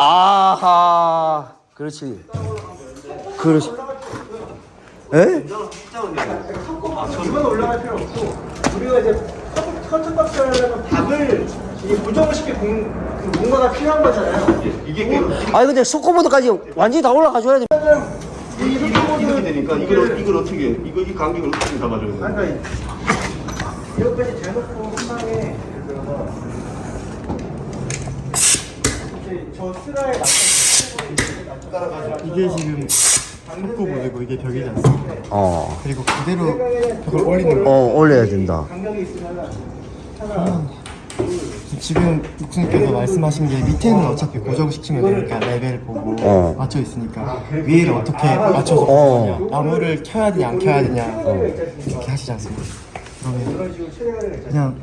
아하. 그렇지. 그렇지. 에? 이건 올라갈 필요 없고 우리가 이제 커튼박스 하려면 박을 이 고정을 시킬 공간가 필요한 거잖아요. 이게 아니 근데 스코보드까지 완전히 다 올라가줘야 돼. 이렇게 되니까 이걸 어떻게 이 간격을 어떻게 잡아줘야 돼? 그러니까 이것까지 대놓고 한 방에 예를 들어서 저 스라에 이게 지금 스코보드고 이게 벽이지 않습니까? 그리고 그대로 벽을 올리는 거. 올려야 된다. 간격이 있으면 하나 지금 육수님께서 말씀하신 게 밑에는 어차피 고정시키면 되니까 레벨 보고 맞춰 있으니까 위에를 어떻게 맞춰서 보느냐, 나무를 켜야 되냐 안 켜야 되냐 이렇게 하시지 않습니까? 그러면 그냥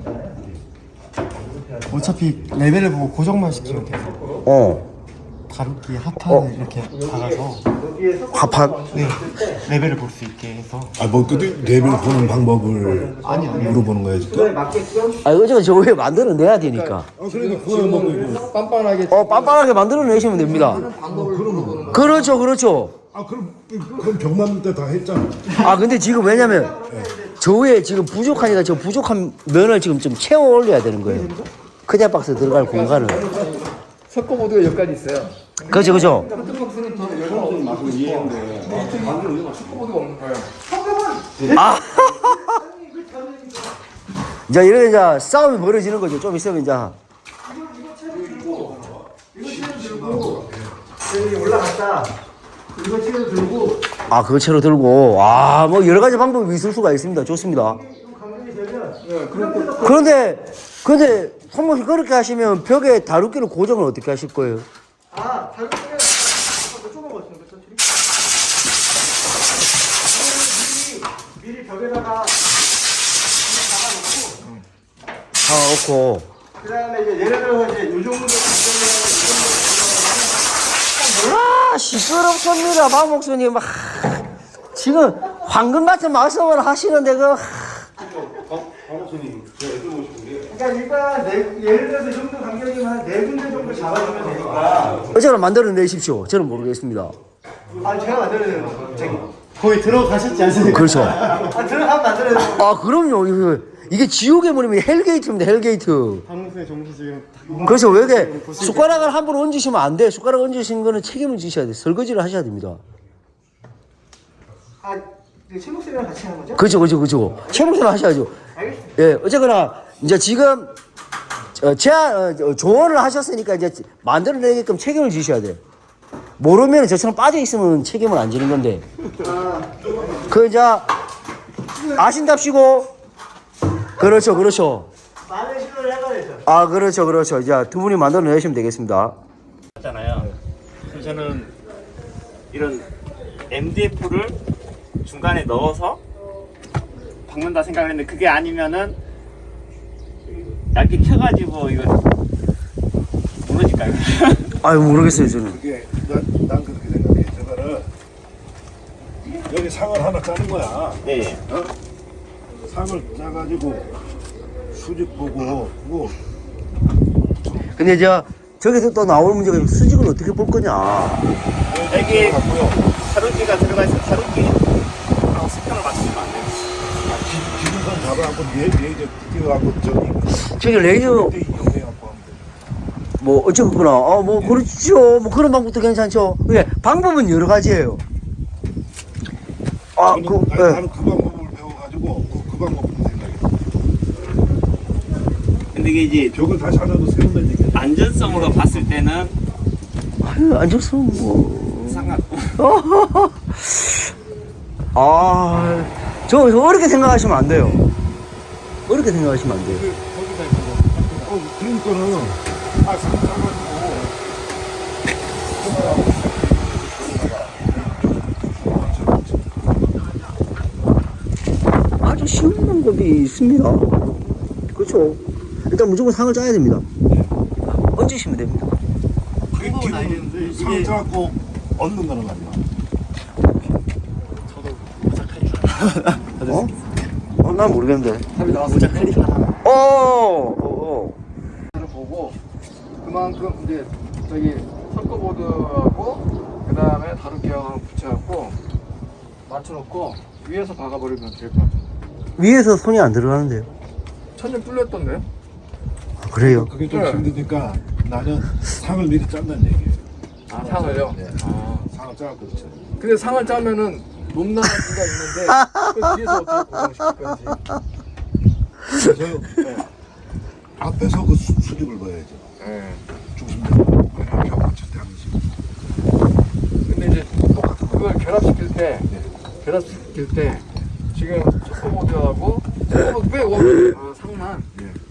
어차피 레벨을 보고 고정만 시키면 돼서 다루기 합판을 이렇게 박아서 합판? 네, 레벨을 볼 수 있게 해서. 뭐 또 레벨 보는 방법을 아니요. 물어보는 거야 지금? 아 이거 저 위에 만들어내야 되니까. 그러니까 그거 뭐 이거. 빤빤하게 빤빤하게 만들어내시면 됩니다. 그렇죠, 그렇죠. 그럼 벽 만들 때 다 했잖아. 아 근데 지금 왜냐면 저 위에 지금 부족하니까 저 부족한 면을 지금 좀 채워 올려야 되는 거예요. 크대 박스 들어갈 공간을. 석고보드가 여기까지 있어요. 그렇죠, 그렇죠. 커튼박스는 더 열고 마시고 이해했는데 석고보드가 없는 거예요. 아. 이제 이렇게 이제 싸움이 벌어지는 거죠. 좀 있으면 이제. 여기 올라갔다. 이거 채로 들고 아 그거 채로 들고. 뭐 여러 가지 방법이 있을 수가 있습니다. 좋습니다. 간격이 되면 그런데 손목이 그렇게 하시면 벽에 다루기를 고정을 어떻게 하실 거예요? 다른 거는 좁은 거 같은데 천천히. 미리 벽에다가 넣고. 그다음에 이제 예를 들어서 이제 요 정도 시끄럽습니다, 박 목수님. 지금 황금 같은 말씀을 하시는데 그러니까 일단 예를 들어서 이 정도 간격이면 4군데 정도 잡아주면 되니까. 저는 만들어내십시오. 저는 모르겠습니다. 제가 만들어내는 거. 거의 들어가셨지 않습니까? 그렇죠. 들어가면 만들어내는 그럼요. 이게 지옥의 문이면 헬게이트입니다. 헬게이트. 방수의 정신 지금 그래서 왜 이렇게 숟가락을 함부로 얹으시면 안 돼. 숟가락 얹으신 거는 책임을 지셔야 돼. 설거지를 하셔야 됩니다. 최목쌤이랑 같이 하는 거죠? 그렇죠. 최목수는 하셔야죠. 알겠습니다. 예, 어쨌거나 이제 지금 조언을 하셨으니까 이제 만들어내게끔 책임을 지셔야 돼. 모르면 저처럼 빠져 있으면 책임을 안 지는 건데. 이제 아신답시고. 그렇죠. 많은 시도를 해봐야죠. 그렇죠. 이제 두 분이 만들어내시면 되겠습니다. 잖아요. 그래서 저는 이런 MDF를 중간에 넣어서 박는다 생각을 했는데 그게 아니면은 얇게 켜가지고 이거 무너질까요? 모르겠어요 저는. 그게 난 그렇게 생각해. 저거를 여기 상을 하나 짜는 거야. 네. 상을 짜가지고 수직 보고 그거 근데 저기서 또 나올 문제가 수직을 어떻게 볼 거냐. 여기 자루기가 들어가 있어서 자루기하고 수평을 맞추시면 안 돼요. 기준선 잡아갖고 레이저 띄워갖고 저기 레이저 그때 이용해갖고 하면 돼. 어쨌거나 그렇죠. 그런 방법도 괜찮죠. 예, 방법은 여러 가지예요. 나는 그 방법을 배워가지고 그 방법으로 생각해. 근데 이게 이제 벽을 다시 하나도 세운다는 얘기야. 안전성으로 봤을 때는 안좋으면 상관. 저 어렵게 생각하시면 안 돼요. 어렵게 생각하시면 안 돼요. 그러니까는 상 짜가지고 아주 쉬운 방법이 있습니다. 그렇죠. 일단 무조건 상을 짜야 됩니다. 얹으시면 됩니다. 상 짜갖고 얻는 거는 아니야. 난 모르겠는데. 답이 나왔습니다. 오. 보고 그만큼 이제 저기 석고보드하고 그 다음에 다루기하고 붙여갖고 맞춰놓고 위에서 박아버리면 될 것 같아요. 위에서 손이 안 들어가는데요. 천장 뚫렸던데요? 아, 그래요? 그게 좀 네. 힘드니까 나는 상을 미리 짠다는 얘기예요. 아, 상을요? 네. 아. 상을 짜고 그렇죠. 근데 상을 짜면은 높낮이가 있는데 그 뒤에서 어떻게 고정시킬 건지. 그래서 앞에서 그 수직을 봐야죠. 예. 중심적으로 벽 맞출 때 하는 식으로. 근데 이제 그걸 결합시킬 때 지금 석고보드하고 빼고 상만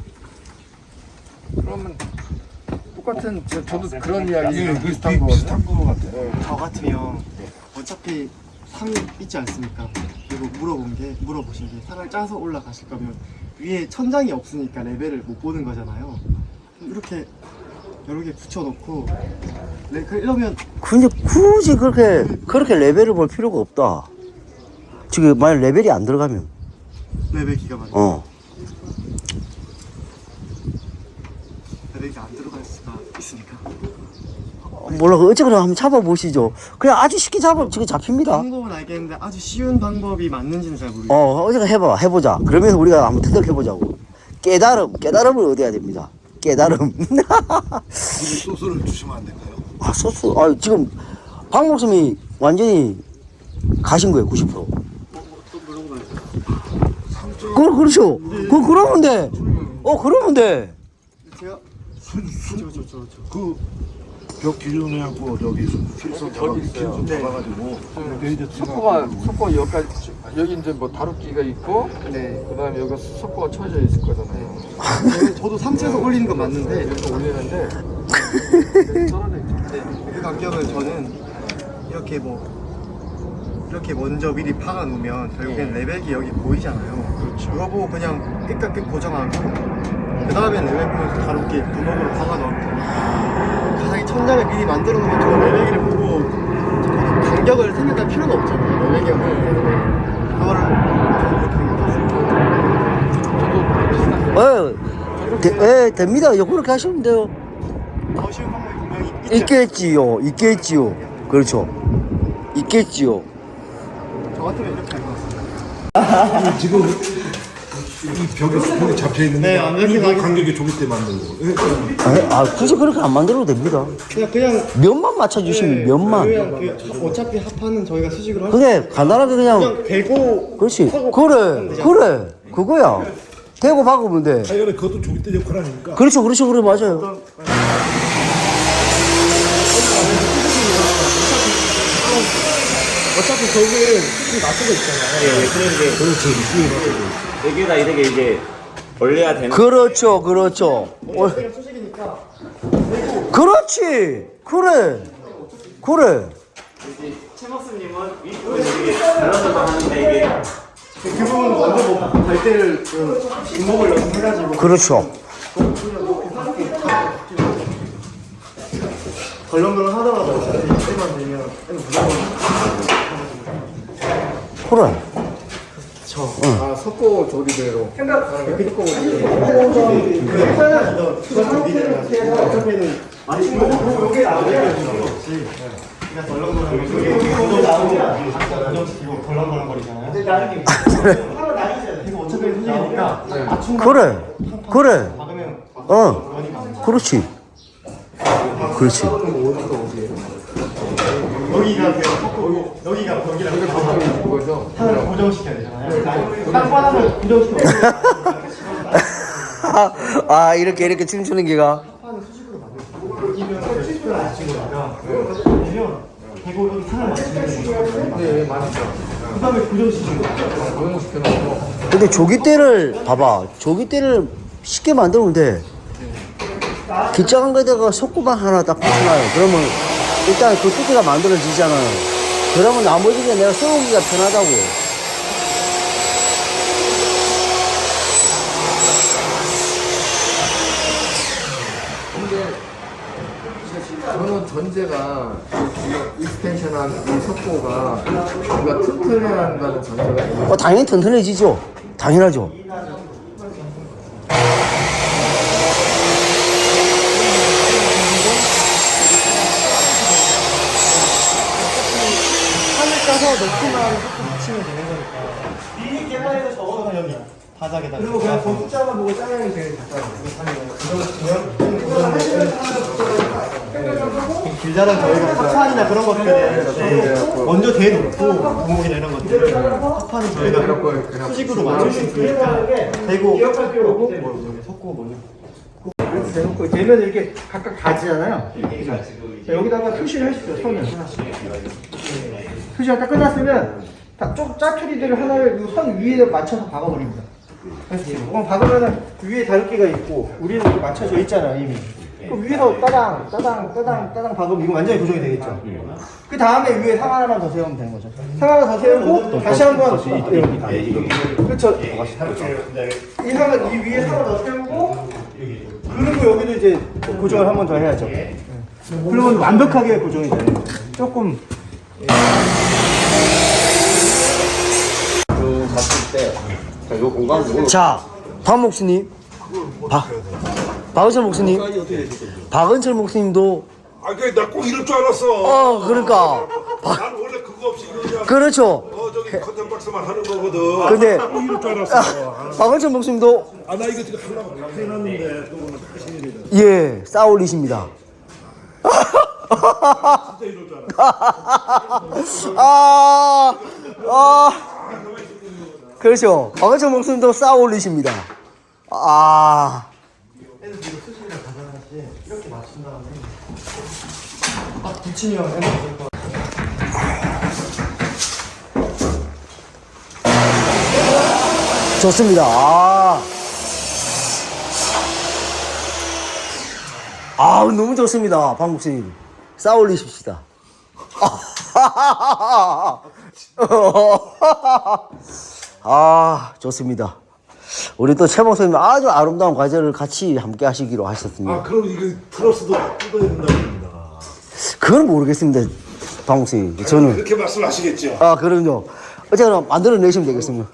그러면 똑같은 저도 그런 이야기 그 비슷한 거거든요. 비슷한 거 같아요. 저 같으면 어차피 상이 있지 않습니까? 그리고 물어보신 게 상을 짜서 올라가실 거면 위에 천장이 없으니까 레벨을 못 보는 거잖아요. 이렇게 여러 개 붙여놓고 이러면 근데 굳이 그렇게 레벨을 볼 필요가 없다. 지금 만약 레벨이 안 들어가면 레벨 기가 막히게 레벨이 안 들어갈 수가 있으니까 몰라. 어쨌거나 한번 잡아보시죠. 그냥 아주 쉽게 지금 잡힙니다. 방법은 알겠는데 아주 쉬운 방법이 맞는지는 잘 모르겠어요. 어쨌거나 해보자. 그러면서 우리가 한번 터득해보자고. 깨달음을 얻어야 됩니다. 깨달음. 소스를 주시면 안 될까요? 아, 소스. 지금 박 목숨이 완전히 가신 거예요. 90%. 그렇죠. 그러면 돼. 그러면 돼. 제가 그 벽 기준에 갖고 저기 필선 잡아가지고 석고 여기 이제 뭐 다루기가 있고 그다음에 여기 석고가 쳐져 있을 거잖아요. 저도 상체에서 올리는 건 맞는데 이렇게 올리는데 그 간격은 저는 이렇게 먼저 미리 박아 놓으면 결국엔 레벨이 여기 보이잖아요. 그렇죠. 그거 보고 그냥 끝까지 끝 고정하고 그 다음에 레벨 보면서 다루기 구멍으로 박아 넣으면 되니까 가장 천장을 미리 만들어 놓으면 저 레벨기를 보고 간격을 생각할 필요가 없잖아요. 레벨기가 그거를 저도 그렇게 생각해요. 됩니다. 그렇게 하시면 돼요. 더 쉬운 방법이 분명히 있겠지요. 그렇죠. 있겠지요. 저 같으면 이렇게 할 것 같습니다. 지금 이 벽에 수평이 잡혀 있는데 네, 안 이렇게 간격이 좁을 때 만든 거. 굳이 그렇게 안 만들어도 됩니다. 그냥 면만 맞춰주시면 면만. 그냥 어차피 합판은 저희가 수직으로 할 그게 간단하게 그냥 대고 그렇지. 그래. 그거야. 대고 박으면 돼. 하여간에 그것도 좁을 때 역할 아닙니까? 그렇죠. 그래 맞아요. 어차피 저기는 좀 놔두고 있잖아요. 그렇지. 여기다 이렇게 이제 올려야 되는. 그렇죠. 그렇지. 그래. 최목수님은 윗부분 이게 잘라서 하는데 이게 그 부분 먼저 갈 때를 주먹을 연습해가지고 그렇죠. 덜렁덜렁 하다가 때만 되면 무조건 그래. 아 석고 조리대로 어차피는 많이 요게 나오죠. 그냥 덜렁덜렁 고정시키고 덜렁덜렁거리잖아요. 그래서 어차피 수직이니까 그래. 그렇지. 여기가 벽이랑 그거죠. 하나를 고정시켜야 되잖아요. 땅바닥을 고정시켜. 이렇게 춤추는 기가. 대고 여기 산을 맞추는 거. 네, 맞죠. 그 다음에 고정시키는 거. 고정시켜놓고 근데 조깃대를 봐봐. 조깃대를 쉽게 만들면 돼. 기장한 거에다가 속구만 하나 딱 붙여놔요. 그러면 일단 그 두께가 만들어지잖아요. 그러면 나머지는 내가 써오기가 편하다고. 저는 전제가 익스텐션한 이 석고가 우리가 튼튼해야 한다는 전제가 있는 당연히 튼튼해지죠. 당연하죠. 넣고만 조금 붙이면 되는 거니까. 미리 계산해서 적어. 여기 바닥에다가. 그리고 그냥 그 숫자만 보고 짜장이 제일 길다란 저희가 파판이나 그런 것들을 먼저 대놓고 구멍이나 이런 것들을 파판은 저희가 수직으로 맞출 수 있으니까 대고 기억할 필요 없고. 섞고 먼저. 이렇게 대놓고 대면 이렇게 각각 가지잖아요. 자, 여기다가 표시를 해주세요. 선을 하나씩. 표시가 딱 끝났으면 짜투리들을 하나를 이 선 위에 맞춰서 박아버립니다. 그럼 박으면은 위에 다육기가 있고 우리는 이렇게 맞춰져 있잖아요 이미. 그럼 위에서 따당 박으면 이거 완전히 고정이 되겠죠. 그 다음에 위에 상 하나만 더 세우면 되는 거죠. 상 하나 더 세우고 다시 한번 그렇죠. 이 상은 이 위에 상을 더 세우고 그리고 여기도 이제 고정을 한 번 더 해야죠. 그러면 완벽하게 고정이 되는 거죠. 조금 자, 박 목수님, 박은철 목수님, 박은철 목수님도 나 꼭 이럴 줄 알았어. 그러니까 난 원래 그거 없이 그냥 그렇죠. 저기 컨텐 박스만 하는 거거든. 근데 꼭 이럴 줄 알았어. 박은철 목수님도 나 이거 지금 하려고 해놨는데 또 오늘 하신 일이다. 예, 싸울리십니다. 진짜 이럴 줄 알았어. 그렇죠. 박은철 목수님도 싸울리십니다. 이렇게 맞춘 다음에 딱 붙이면 해놓을 거. 좋습니다. 너무 좋습니다. 박 목수님. 싸울리십시다. 좋습니다. 우리 또 최 목사님 아주 아름다운 과제를 같이 함께 하시기로 하셨습니다. 그럼 이거 플러스도 뜯어야 된다고 합니다. 그건 모르겠습니다. 박 목사님. 저는. 그렇게 말씀하시겠죠. 그럼요. 어쨌거나 만들어내시면 되겠습니다.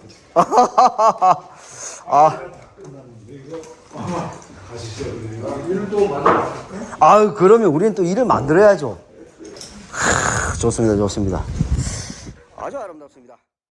그러면 우리는 또 일을 만들어야죠. 좋습니다. 좋습니다. 아주 아름답습니다.